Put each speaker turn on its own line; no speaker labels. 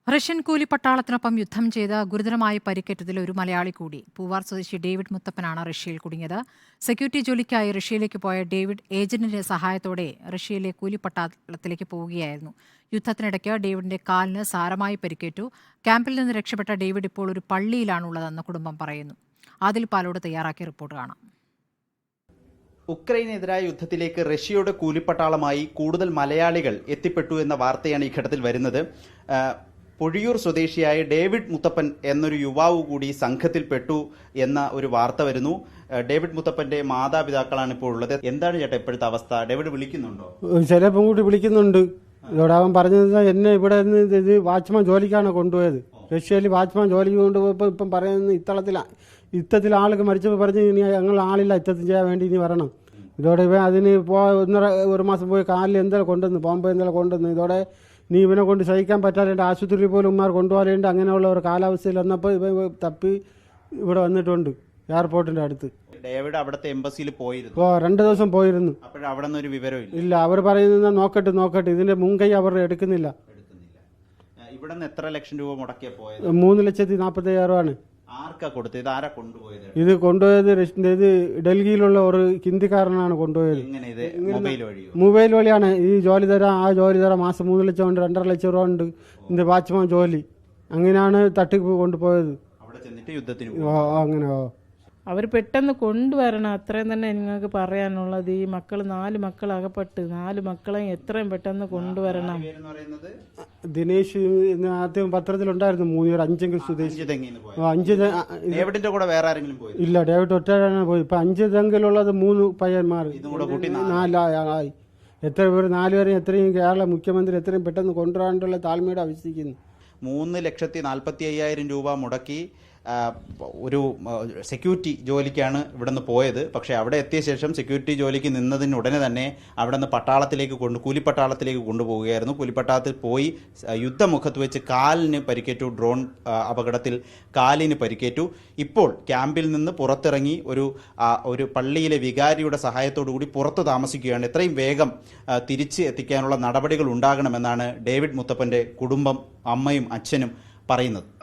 Russian കൂലിപ്പട്ടാളത്തിനൊപ്പം യുദ്ധം ചെയ്ത് ഗുരുതരമായി പരിക്കേറ്റതിൽ ഒരു മലയാളി കൂടി. പൂവാർ സ്വദേശി ഡേവിഡ് മുത്തപ്പനാണ് റഷ്യയിൽ കുടുങ്ങിയത്. സെക്യൂരിറ്റി ജോലിക്കായി റഷ്യയിലേക്ക് പോയ ഡേവിഡ് ഏജന്റിന്റെ സഹായത്തോടെ റഷ്യയിലെ കൂലിപ്പട്ടാളത്തിലേക്ക് പോവുകയായിരുന്നു. യുദ്ധത്തിനിടയ്ക്ക് ഡേവിഡിന്റെ കാലിന് സാരമായി പരിക്കേറ്റു. ക്യാമ്പിൽ നിന്ന് രക്ഷപ്പെട്ട ഡേവിഡ് ഇപ്പോൾ ഒരു പള്ളിയിലാണുള്ളതെന്ന് കുടുംബം പറയുന്നു. ആദിൽ പാലോട് തയ്യാറാക്കിയ റിപ്പോർട്ട് കാണാം.
ഉക്രൈനെതിരായ യുദ്ധത്തിലേക്ക് റഷ്യയുടെ കൂലിപ്പട്ടാളമായി കൂടുതൽ മലയാളികൾ എത്തിപ്പെട്ടു എന്ന വാർത്തയാണ് ഈ ഘട്ടത്തിൽ വരുന്നത്. പൊഴിയൂർ സ്വദേശിയായ ഡേവിഡ് മുത്തപ്പൻ എന്നൊരു യുവാവ് കൂടി സംഘത്തിൽപ്പെട്ടു എന്ന ഒരു വാർത്ത വരുന്നു. ഡേവിഡ് മുത്തപ്പന്റെ മാതാപിതാക്കളാണ് ഇപ്പോൾ ഉള്ളത്. എന്താണ് ചേട്ടാ ഇപ്പോഴത്തെ അവസ്ഥ? ഡേവിഡ് വിളിക്കുന്നുണ്ടോ?
ചിലപ്പം കൂടി വിളിക്കുന്നുണ്ട്. ഇവിടെ അവൻ പറഞ്ഞത് എന്നെ ഇവിടെ നിന്ന് വാച്ച്മാൻ ജോലിക്കാണ് കൊണ്ടുപോയത്. റഷ്യയിൽ വാച്ച്മാൻ ജോലിക്ക് കൊണ്ടുപോയപ്പോൾ ഇപ്പം പറയുന്നത് യുദ്ധത്തിൽ ആൾക്ക് മരിച്ചപ്പോൾ പറഞ്ഞ് ഇനി ഞങ്ങൾ ആളില്ല യുദ്ധത്തിൽ ചെയ്യാൻ വേണ്ടി ഇനി വരണം. ഇതോടെ ഇവൻ അതിന് ഒരു മാസം പോയി കാലിൽ എന്തെങ്കിലും കൊണ്ടുവന്ന് ബോംബെ എന്തെങ്കിലും കൊണ്ടുവന്ന് ഇതോടെ നീ ഇവനെ കൊണ്ട് സഹിക്കാൻ പറ്റാതെ ആശുപത്രിയിൽ പോലും ഉമ്മാർ കൊണ്ടുപോകാറുണ്ട്. അങ്ങനെയുള്ള ഒരു കാലാവസ്ഥയിൽ വന്നപ്പോൾ ഇവൻ തപ്പി ഇവിടെ വന്നിട്ടുണ്ട് എയർപോർട്ടിന്റെ അടുത്ത്.
ഡേവിഡ് അവിടുത്തെ എംബസിയിൽ പോയിരുന്നു.
2 ദിവസം പോയിരുന്നു.
അവിടെ നിന്ന് ഒരു വിവരം
ഇല്ല. അവർ പറയുന്നത് നോക്കട്ടെ ഇതിന്റെ മുൻകൈ അവർ എടുക്കുന്നില്ല.
ഇവിടെ നിന്ന് എത്ര ലക്ഷം രൂപ മുടക്കിയ പോയത്?
3,45,000
ആർക്കാ കൊടുത്തത്? ഇത് ആരാ കൊണ്ടുപോയത്?
ഇത് കൊണ്ടുപോയത് ഡൽഹിയിലുള്ള ഒരു ഹിന്ദിക്കാരനാണ് കൊണ്ടുപോയത്. മൊബൈൽ വഴിയാണ് ഈ ജോലി തരാം ആ ജോലി തരാം. മാസം 3 ലക്ഷം ഉണ്ട്, 2.5 ലക്ഷം രൂപ ഉണ്ട് ഇതിന്റെ വാച്ച്മാൻ ജോലി. അങ്ങനെയാണ് തട്ടിപ്പ് കൊണ്ടുപോയത്. അങ്ങനെ
അവർ പെട്ടെന്ന് കൊണ്ടുവരണം, അത്രയും തന്നെ നിങ്ങൾക്ക് പറയാനുള്ളത്. ഈ മക്കൾ 4 മക്കൾ അകപ്പെട്ട് 4 മക്കളെ എത്രയും പെട്ടെന്ന് കൊണ്ടുവരണം.
ദിനേശ് ആദ്യം പത്രത്തിലുണ്ടായിരുന്നു 5 സ്വദേശി. ഇല്ല, ഡേവിഡ് ഒറ്റയാണ് പോയി. ഇപ്പൊ 5 തെങ്കിലുള്ളത് 3 പയ്യന്മാർ, 4 എത്ര പേര് 4 പേരെ എത്രയും കേരള മുഖ്യമന്ത്രി എത്രയും പെട്ടെന്ന് കൊണ്ടുവരാനുള്ള താഴ്മയോടെ ആവശ്യിക്കുന്നു.
3,45,000 രൂപ മുടക്കി ഒരു സെക്യൂരിറ്റി ജോലിക്കാണ് ഇവിടെ നിന്ന് പോയത്. പക്ഷേ അവിടെ എത്തിയ ശേഷം സെക്യൂരിറ്റി ജോലിക്ക് നിന്നതിനുടനെ തന്നെ അവിടെ നിന്ന് കൂലിപ്പട്ടാളത്തിലേക്ക് കൊണ്ടുപോവുകയായിരുന്നു. കൂലിപ്പട്ടാളത്തിൽ പോയി യുദ്ധമുഖത്ത് വെച്ച് കാലിന് പരിക്കേറ്റു. ഡ്രോൺ അപകടത്തിൽ കാലിന് പരിക്കേറ്റു. ഇപ്പോൾ ക്യാമ്പിൽ നിന്ന് പുറത്തിറങ്ങി ഒരു പള്ളിയിലെ വികാരിയുടെ സഹായത്തോടു കൂടി പുറത്ത് താമസിക്കുകയാണ്. എത്രയും വേഗം തിരിച്ച് എത്തിക്കാനുള്ള നടപടികൾ ഉണ്ടാകണമെന്നാണ് ഡേവിഡ് മുത്തപ്പന്റെ കുടുംബം, അമ്മയും അച്ഛനും പറയുന്നത്.